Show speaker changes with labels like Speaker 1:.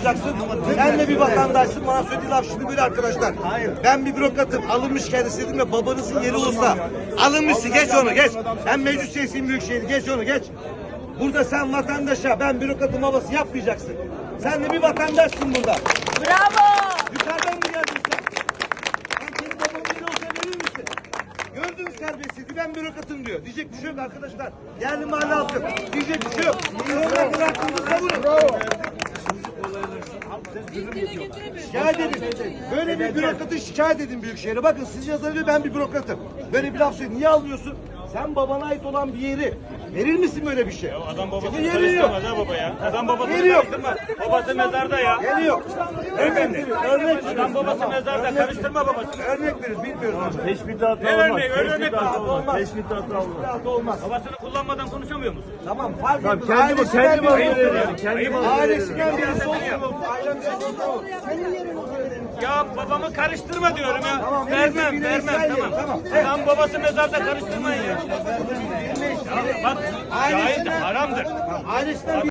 Speaker 1: yapacaksın. Sen de bir vatandaşsın. Bana söylediği laf şimdi böyle arkadaşlar. Ben bir bürokratım. Alınmış kendisi dedim ve babanızın yeri olsa. Alınmışsın. Geç onu geç. Ben meclis üyesiyim Büyükşehir. Geç onu geç. Burada sen vatandaşa ben bürokratım havası yapmayacaksın. Sen de bir vatandaşsın burada.
Speaker 2: Bravo.
Speaker 1: Yukarıdan mı geldin sen? Sen senin babanın yeri olsa verir misin? Gördün mü serbestsizliği? Ben bürokratım diyor. Diyecek bir şey yok arkadaşlar. Yerli mahalle halkı. Diyecek bir şey yok. Bürokratın hakkında savunun. Şikayet edin. Böyle bir bürokratı şikayet edin Büyükşehir'e. Bakın siz yazabiliyor, ben bir bürokratım. Böyle bir laf söylüyor. Niye almıyorsun? Sen babana ait olan bir yeri verir misin böyle bir şey?
Speaker 3: Adam babasını
Speaker 1: Çünkü yeri yok.
Speaker 3: karıştırmaz ha baba ya. Adam babasını
Speaker 1: Yeri yok.
Speaker 3: karıştırmaz. Babası mezarda ya.
Speaker 1: Yeri yok.
Speaker 3: Beyefendi.
Speaker 1: Örnek
Speaker 3: Adam babası mezarda, karıştırma babasını.
Speaker 1: Örnek verir, bilmiyoruz.
Speaker 4: Teşbihli hata
Speaker 3: Ne
Speaker 4: olmaz.
Speaker 3: örneği? Öyle örnek
Speaker 4: Teşbihli hata
Speaker 3: mi?
Speaker 4: olmaz. Teşbihli hata olmaz.
Speaker 1: Biraz da olmaz.
Speaker 3: Babasını kullanmadan konuşamıyor musun?
Speaker 1: Tamam, fark
Speaker 4: Tamam,
Speaker 1: etmez.
Speaker 4: kendi
Speaker 1: Ailesinden
Speaker 4: malı
Speaker 1: birisi
Speaker 4: verelim.
Speaker 1: olsun.
Speaker 4: Kendi malı verelim.
Speaker 1: Ailesinden birisi olsun. Ailesinden birisi olsun.
Speaker 3: Ya babamı karıştırma diyorum ya.
Speaker 1: Tamam,
Speaker 3: Vermem,
Speaker 1: yine
Speaker 3: vermem
Speaker 1: İsrail
Speaker 3: tamam.
Speaker 1: tamam.
Speaker 3: Adam babası mezarda karıştırmayın ya. Ya bak, şahit haramdır.
Speaker 1: Ailesinden